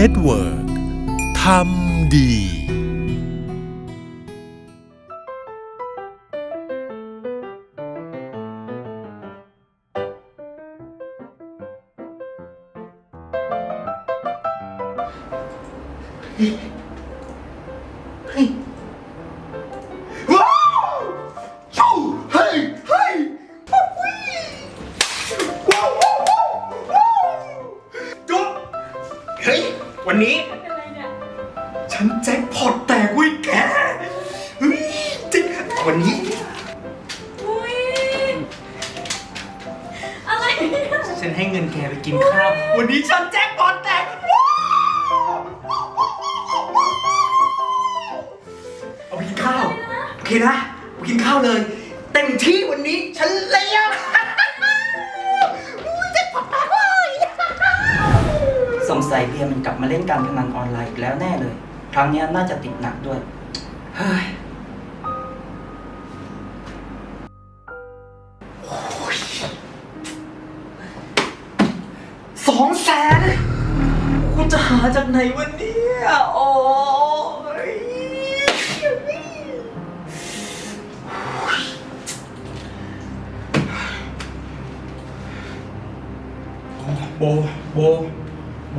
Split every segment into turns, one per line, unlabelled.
น็ตเวิร์กทำดี
ว้าวชูเฮ้ยเฮ้ยว้าวว้าวว้าวว้าวจุ๊บเฮ้ยวันนี้ฉันแจ็คพอตแตกเว้ยแกเฮ้ยจริงวันนี้
อุ้ยอะไรเนี่ย
ฉันให้เงินแกไปกินข้าววันนี้ฉันแจ็คพอตแตกว้าวเอาไปกินข้าวโอเคนะไปกินข้าวเลยเต็มที่วันนี้ฉันเลี้ยงแจ็คพอตแตกเว้ย
สงสัยเบียร์มันกลับมาเล่นการพนันออนไลน์อีกแล้วแน่เลย ครั้งนี้น่าจะติดหนักด้วย เฮ้ย
200,000กูจะหาจากไหนวันนี้โอ้ยโบเบอร์โบ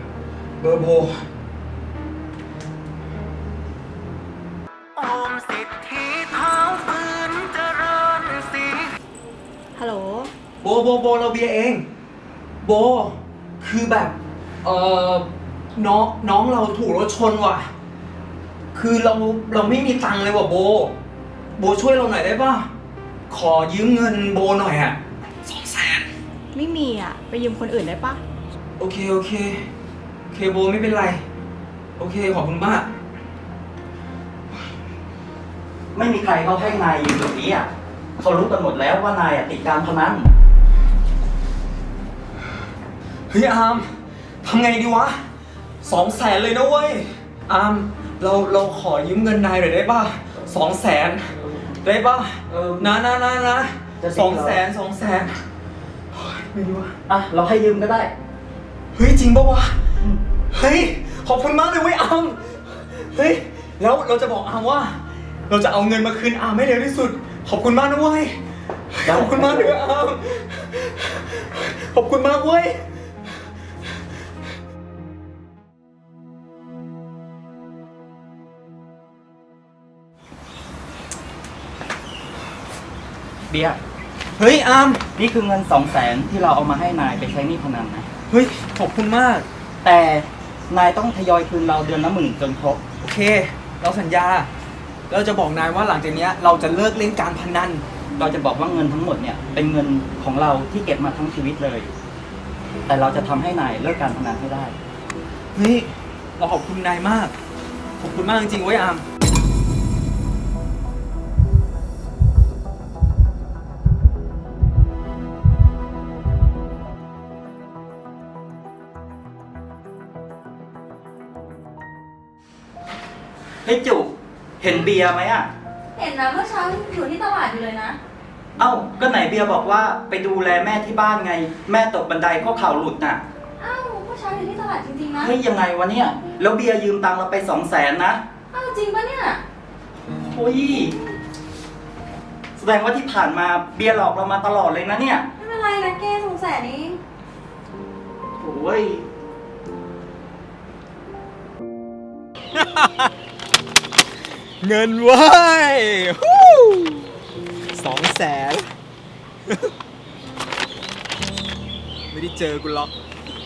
โอมสิทธิเท้าฝืนเจริญสี
ฮัลโหล
โบเราเบียร์เอง โบ คือแบบ น้องเราถูกรถชนว่ะ คือเราไม่มีตังค์เลยว่ะโบช่วยเราหน่อยได้ป่ะ ขอยืมเงินโบหน่อยอ่ะ200,000
ไม่มีอ่ะ ไปยืมคนอื่นได้ปะ
โอเคโบไม่เป็นไร โอเคขอบคุณมาก
ไม่มีใครเขาให้นายอยู่แบบนี้อ่ะเขารู้กันหมดแล้วว่านายอ่ะติดการพนัน
เฮ้ยอาร์มทำไงดีวะ200,000เลยนะเว้ยอาร์มเราขอยืมเงินนายหน่อยได้ป่ะ200,000ได้ป่ะนะ200,000ไม่รู้ว่า
อ่ะ เราให้ยืมก็ได้
เฮ้ยจริงป่ะวะเฮ้ยขอบคุณมากเลยเว้ยอาร์มเฮ้ยแล้วเราจะบอกอาร์มว่า เราจะเอาเงินมาคืนอาร์มให้เร็วที่สุดขอบคุณมากนะเว้ยขอบคุณมากเลยอาร์มขอบคุณมากเว้ย
เบียร์
เฮ้ยอาร์ม
นี่คือเงิน200,000ที่เราเอามาให้นายไปใช้หนี้พนันนะ
เฮ้ยขอบคุณมาก
แต่นายต้องทยอยคืนเราเดือนละ10,000จนครบ
โอเคเราสัญญาเราจะบอกนายว่าหลังจากนี้เราจะเลิกเล่นการพนัน
เราจะบอกว่าเงินทั้งหมดเนี่ยเป็นเงินของเราที่เก็บมาทั้งชีวิตเลย แต่เราจะทำให้นายเลิกการพนันให้ได้
เฮ้ยเราขอบคุณนายมากขอบคุณมากจริงๆเว้ยอาร์ม
เฮ้ยจุเห็นเบียร์ไหมอ่ะ
เห็นนะเมื่อเช้าอยู่ที่ตลาดอยู่เลยนะ
เอ้า ก็ไหนเบียร์บอกว่าไปดูแลแม่ที่บ้านไง แม่ตกบันไดก็เข่าหลุดน่ะ
อ้าวเมื่อเช้าอยู่ที่ตลาดจริงๆนะ
เฮ้ยยังไงวะเนี่ย แล้วเบียร์ยืมตังค์เราไป200,000นะ
อ้าวจริงปะเนี่ย
โอ้ย แสดงว่าที่ผ่านมาเบียร์หลอกเรามาตลอดเลยนะเนี่ย
ไม่เป็นไรนะแก200,000เอง
โอ้ย
เงินเว้ย200,000 ไม่ได้เจอกูหรอก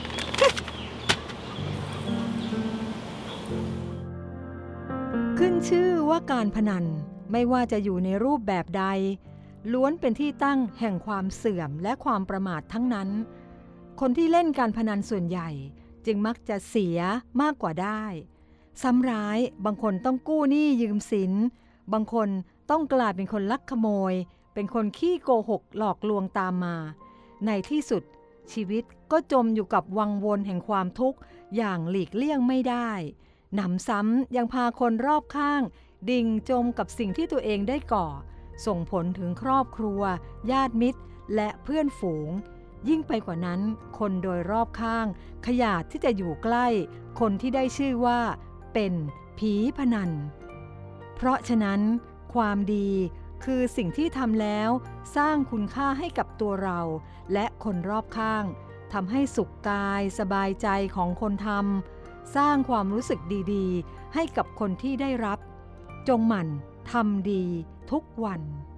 ขึ้นชื่อว่าการพนันไม่ว่าจะอยู่ในรูปแบบใดล้วนเป็นที่ตั้งแห่งความเสื่อมและความประมาททั้งนั้น คนที่เล่นการพนันส่วนใหญ่จึงมักจะเสียมากกว่าได้ซ้ำร้ายบางคนต้องกู้หนี้ยืมสินบางคนต้องกลายเป็นคนลักขโมยเป็นคนขี้โกหกหลอกลวงตามมาในที่สุดชีวิตก็จมอยู่กับวังวนแห่งความทุกข์อย่างหลีกเลี่ยงไม่ได้หนำซ้ำยังพาคนรอบข้างดิ่งจมกับสิ่งที่ตัวเองได้ก่อส่งผลถึงครอบครัวญาติมิตรและเพื่อนฝูงยิ่งไปกว่านั้นคนโดยรอบข้างขยาดที่จะอยู่ใกล้คนที่ได้ชื่อว่าเป็นผีพนันเพราะฉะนั้นความดีคือสิ่งที่ทำแล้วสร้างคุณค่าให้กับตัวเราและคนรอบข้างทำให้สุขกายสบายใจของคนทำสร้างความรู้สึกดีๆให้กับคนที่ได้รับจงหมั่นทำดีทุกวัน